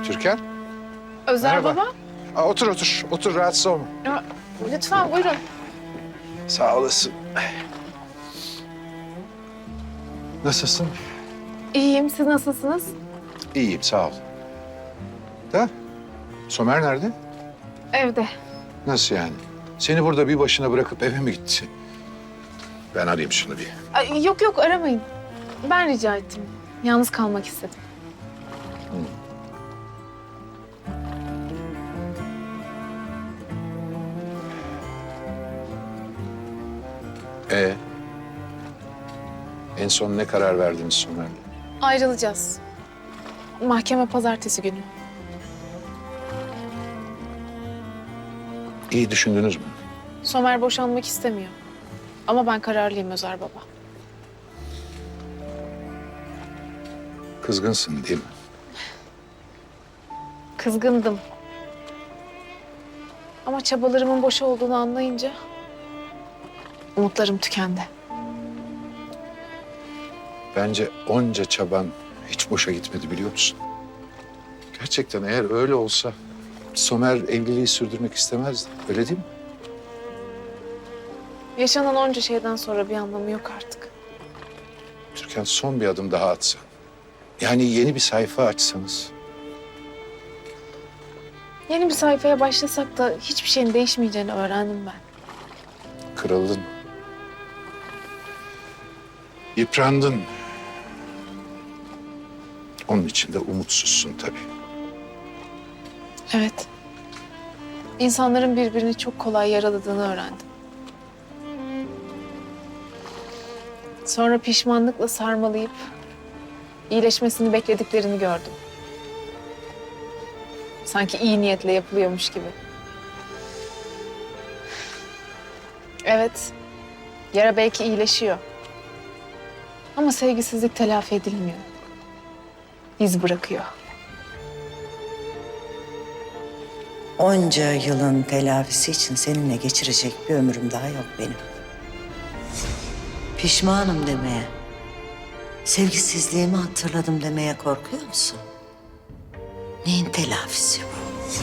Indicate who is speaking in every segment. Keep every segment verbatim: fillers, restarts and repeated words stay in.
Speaker 1: Türkan.
Speaker 2: Özer
Speaker 1: Merhaba.
Speaker 2: baba.
Speaker 1: Aa, otur otur. Otur rahatsız olma.
Speaker 2: Ya, lütfen buyurun.
Speaker 1: Sağ olasın. Nasılsın?
Speaker 2: İyiyim. Siz nasılsınız?
Speaker 1: İyiyim sağ ol. Da Somer nerede?
Speaker 2: Evde.
Speaker 1: Nasıl yani? Seni burada bir başına bırakıp eve mi gitti? Ben arayayım şunu bir.
Speaker 2: Ay, yok yok aramayın. Ben rica ettim. Yalnız kalmak istedim.
Speaker 1: Ee, en son ne karar verdiniz Somer'le?
Speaker 2: Ayrılacağız. Mahkeme pazartesi günü.
Speaker 1: İyi düşündünüz mü?
Speaker 2: Somer boşanmak istemiyor. Ama ben kararlıyım Özer baba.
Speaker 1: Kızgınsın değil mi?
Speaker 2: Kızgındım. Ama çabalarımın boş olduğunu anlayınca umutlarım tükendi.
Speaker 1: Bence onca çaban hiç boşa gitmedi biliyor musun? Gerçekten eğer öyle olsa Somer evliliği sürdürmek istemezdi. Öyle değil mi?
Speaker 2: Yaşanan onca şeyden sonra bir anlamı yok artık.
Speaker 1: Türkan son bir adım daha atsan. Yani yeni bir sayfa açsanız.
Speaker 2: Yeni bir sayfaya başlasak da hiçbir şeyin değişmeyeceğini öğrendim ben.
Speaker 1: Kırıldın. Yıprandın. Onun için de umutsuzsun tabii.
Speaker 2: Evet. İnsanların birbirini çok kolay yaraladığını öğrendim. Sonra pişmanlıkla sarmalayıp iyileşmesini beklediklerini gördüm. Sanki iyi niyetle yapılıyormuş gibi. Evet, yara belki iyileşiyor. Ama sevgisizlik telafi edilmiyor. İz bırakıyor.
Speaker 3: Onca yılın telafisi için seninle geçirecek bir ömrüm daha yok benim. Pişmanım demeye, sevgisizliğimi hatırladım demeye korkuyor musun? Neyin telafisi bu?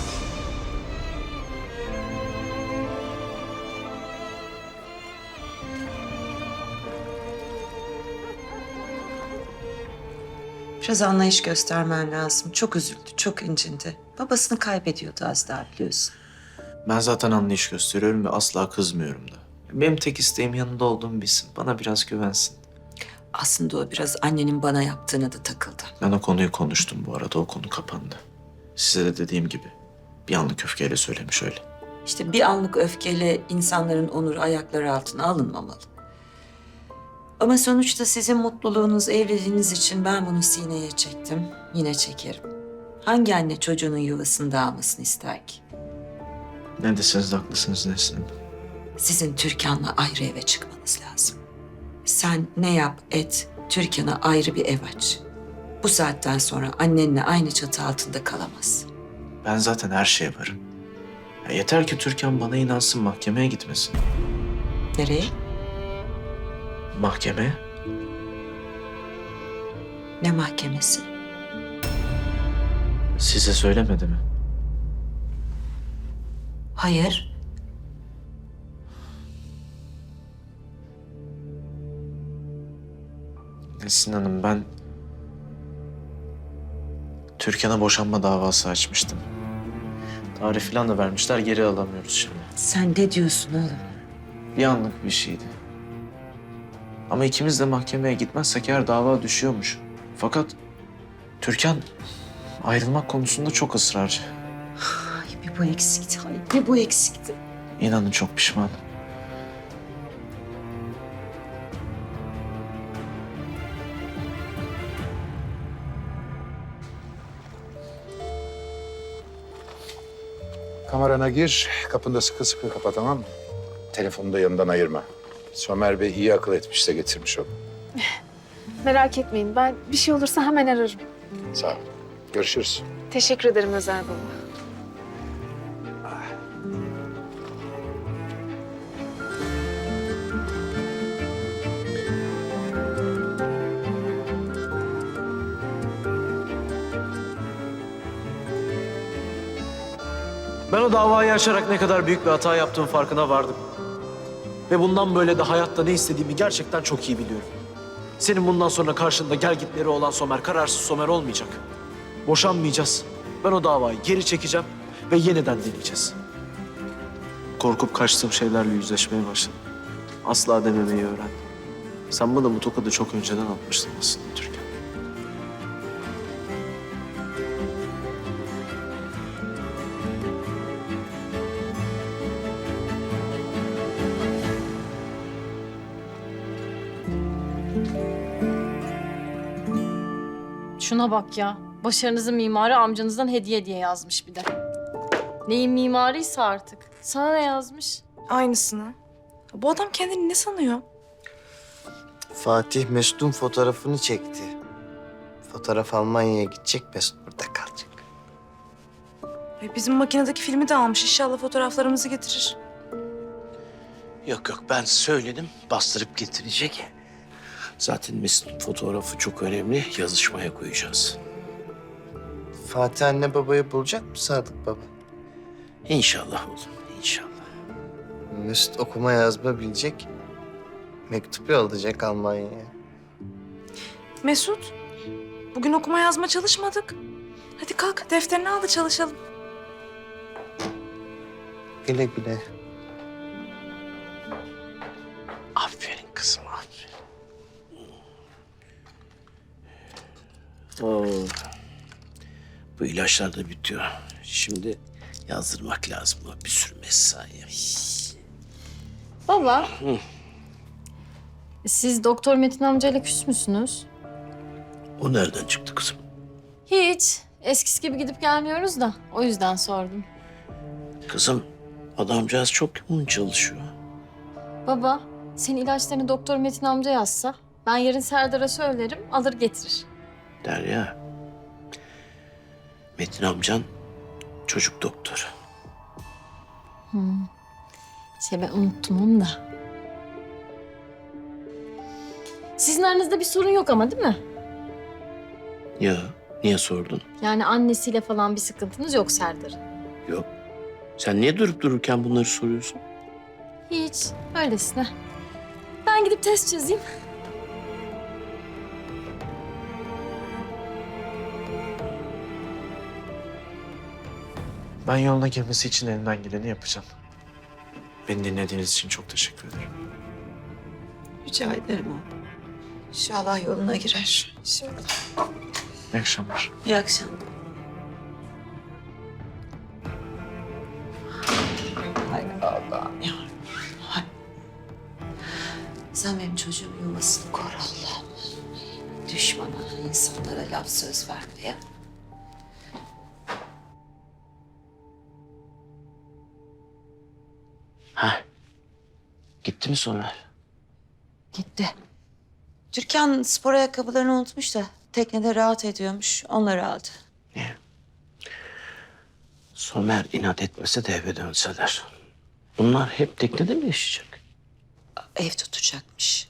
Speaker 4: Biraz anlayış göstermen lazım. Çok üzüldü, çok incindi. Babasını kaybediyordu az daha biliyorsun.
Speaker 5: Ben zaten anlayış gösteriyorum ve asla kızmıyorum da. Benim tek isteğim yanında olduğumu bilsin. Bana biraz güvensin.
Speaker 4: Aslında o biraz annenin bana yaptığına da takıldı.
Speaker 5: Ben o konuyu konuştum bu arada. O konu kapandı. Size de dediğim gibi bir anlık öfkeyle söylemiş öyle.
Speaker 4: İşte bir anlık öfkeyle insanların onuru ayakları altına alınmamalı. Ama sonuçta sizin mutluluğunuz, evliliğiniz için ben bunu sineye çektim. Yine çekerim. Hangi anne çocuğunun yuvasını dağılmasını ister ki?
Speaker 5: Ne deseniz de haklısınız Nesrin.
Speaker 4: Sizin Türkan'la ayrı eve çıkmanız lazım. Sen ne yap et, Türkan'a ayrı bir ev aç. Bu saatten sonra annenle aynı çatı altında kalamaz.
Speaker 5: Ben zaten her şeye varım. Ya yeter ki Türkan bana inansın, mahkemeye gitmesin.
Speaker 4: Nereye?
Speaker 5: Mahkemeye?
Speaker 4: Ne mahkemesi?
Speaker 5: Size söylemedi mi?
Speaker 4: Hayır.
Speaker 5: Nesrin Hanım, ben Türkan'a boşanma davası açmıştım. Tarih falan da vermişler, geri alamıyoruz şimdi.
Speaker 4: Sen ne diyorsun oğlum?
Speaker 5: Bir anlık bir şeydi. Ama ikimiz de mahkemeye gitmezsek eğer dava düşüyormuş. Fakat Türkan ayrılmak konusunda çok ısrarcı.
Speaker 4: Ay bir bu eksikti, ay bir bu eksikti.
Speaker 5: İnanın çok pişmanım.
Speaker 1: Kamerana gir, kapını da sıkı sıkı kapa tamam mı? Telefonu da yanından ayırma. Somer Bey iyi akıl etmiş de getirmiş onu.
Speaker 2: Merak etmeyin. Ben bir şey olursa hemen ararım.
Speaker 1: Sağ ol. Görüşürüz.
Speaker 2: Teşekkür ederim Özer baba.
Speaker 5: Ben o davayı açarak ne kadar büyük bir hata yaptığım farkına vardım. Ve bundan böyle de hayatta ne istediğimi gerçekten çok iyi biliyorum. Senin bundan sonra karşında gelgitleri olan Somer, kararsız Somer olmayacak. Boşanmayacağız. Ben o davayı geri çekeceğim ve yeniden deneyeceğiz. Korkup kaçtığım şeylerle yüzleşmeye başladım. Asla dememeyi öğrendim. Sen bana bu tokadı çok önceden atmıştın aslında Türkan.
Speaker 6: Şuna bak ya. Başarınızın mimarı amcanızdan hediye diye yazmış bir de. Neyin mimarıysa artık. Sana ne yazmış?
Speaker 7: Aynısını. Bu adam kendini ne sanıyor?
Speaker 8: Fatih Mesut'un fotoğrafını çekti. Fotoğraf Almanya'ya gidecek, Mesut burada kalacak.
Speaker 7: Ay, bizim makinedeki filmi de almış. İnşallah fotoğraflarımızı getirir.
Speaker 9: Yok yok ben söyledim bastırıp getirecek. Zaten Mesut'un fotoğrafı çok önemli. Yazışmaya koyacağız.
Speaker 8: Fatih anne babayı bulacak mı Sadık baba?
Speaker 9: İnşallah oğlum inşallah.
Speaker 8: Mesut okuma yazma bilecek. Mektup yollayacak Almanya'ya.
Speaker 7: Mesut, bugün okuma yazma çalışmadık. Hadi kalk, defterini al da çalışalım.
Speaker 8: Güle güle.
Speaker 9: Aferin kızım aferin. Oo. Bu ilaçlar da bitiyor. Şimdi yazdırmak lazım. Bu bir sürü mesai.
Speaker 6: Baba. Siz Doktor Metin amcayla küs müsünüz?
Speaker 9: O nereden çıktı kızım?
Speaker 6: Hiç. Eskisi gibi gidip gelmiyoruz da. O yüzden sordum.
Speaker 9: Kızım adamcağız çok yoğun çalışıyor.
Speaker 6: Baba, senin ilaçlarını Doktor Metin amca yazsa... ben yarın Serdar'a söylerim, alır getirir.
Speaker 9: Derya. Metin amcan çocuk doktoru.
Speaker 6: Şey ben unuttum onu da. Sizin aranızda bir sorun yok ama değil mi?
Speaker 9: Ya niye sordun?
Speaker 6: Yani annesiyle falan bir sıkıntınız yok Serdar'ın.
Speaker 9: Yok. Sen niye durup dururken bunları soruyorsun?
Speaker 6: Hiç, öylesine. Ben gidip test çözeyim.
Speaker 5: Ben yoluna girmesi için elimden geleni yapacağım. Beni dinlediğiniz için çok teşekkür ederim.
Speaker 4: Rica ederim oğlum. İnşallah yoluna girer. Şimdi.
Speaker 5: İyi akşamlar.
Speaker 4: İyi akşamlar. Hay Allah'ım ya. Hay. Sen benim çocuğumun yuvasını koru Allah'ım. Düşmana, insanlara laf söz verme ya.
Speaker 9: Ha. Gitti mi Somer?
Speaker 4: Gitti. Türkan spor ayakkabılarını unutmuş da teknede rahat ediyormuş. Onları aldı.
Speaker 9: Somer inat etmese de eve dönseler. Bunlar hep teknede mi yaşayacak?
Speaker 4: Ev tutacakmış.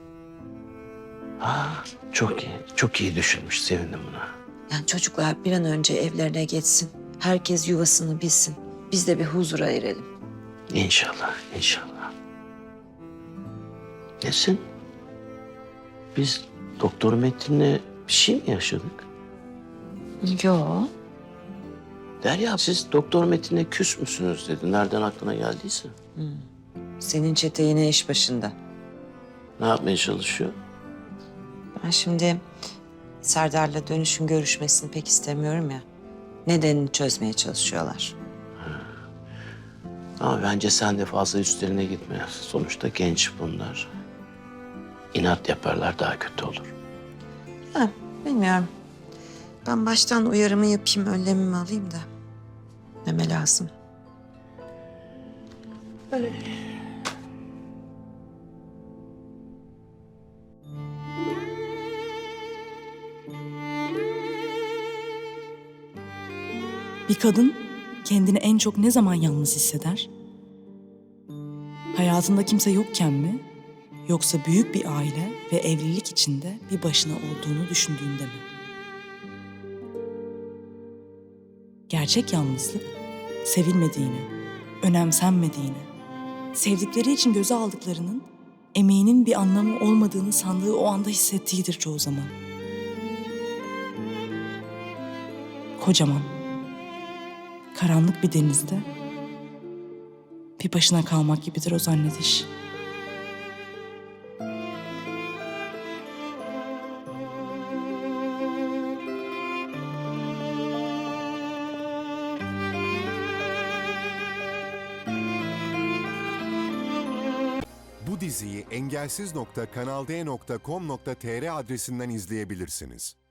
Speaker 9: Ha, çok iyi. Çok iyi düşünmüş. Sevindim buna.
Speaker 4: Yani çocuklar bir an önce evlerine geçsin. Herkes yuvasını bilsin. Biz de bir huzura erelim.
Speaker 9: İnşallah, inşallah. Nesin? Biz Doktor Metin'le bir şey mi yaşadık?
Speaker 4: Yok.
Speaker 9: Derya siz Doktor Metin'le küs müsünüz dedi. Nereden aklına geldiyse.
Speaker 4: Senin çete yine iş başında.
Speaker 9: Ne yapmaya çalışıyor?
Speaker 4: Ben şimdi Serdar'la dönüşün görüşmesini pek istemiyorum ya. Nedenini çözmeye çalışıyorlar.
Speaker 9: Ama bence sen de fazla üstlerine gitme. Sonuçta genç bunlar. İnat yaparlar daha kötü olur.
Speaker 4: Ha, bilmiyorum. Ben baştan uyarımı yapayım, önlemimi alayım da. Neme lazım. Böyle.
Speaker 10: Bir kadın kendini en çok ne zaman yalnız hisseder? Hayatında kimse yokken mi? Yoksa büyük bir aile ve evlilik içinde bir başına olduğunu düşündüğünde mi? Gerçek yalnızlık sevilmediğini, önemsenmediğini, sevdikleri için göze aldıklarının emeğinin bir anlamı olmadığını sandığı o anda hissettiğidir çoğu zaman. Kocaman, karanlık bir denizde bir başına kalmak gibidir o zannediş.
Speaker 11: Bu diziyi engelsiz nokta kanal d nokta com nokta tr adresinden izleyebilirsiniz.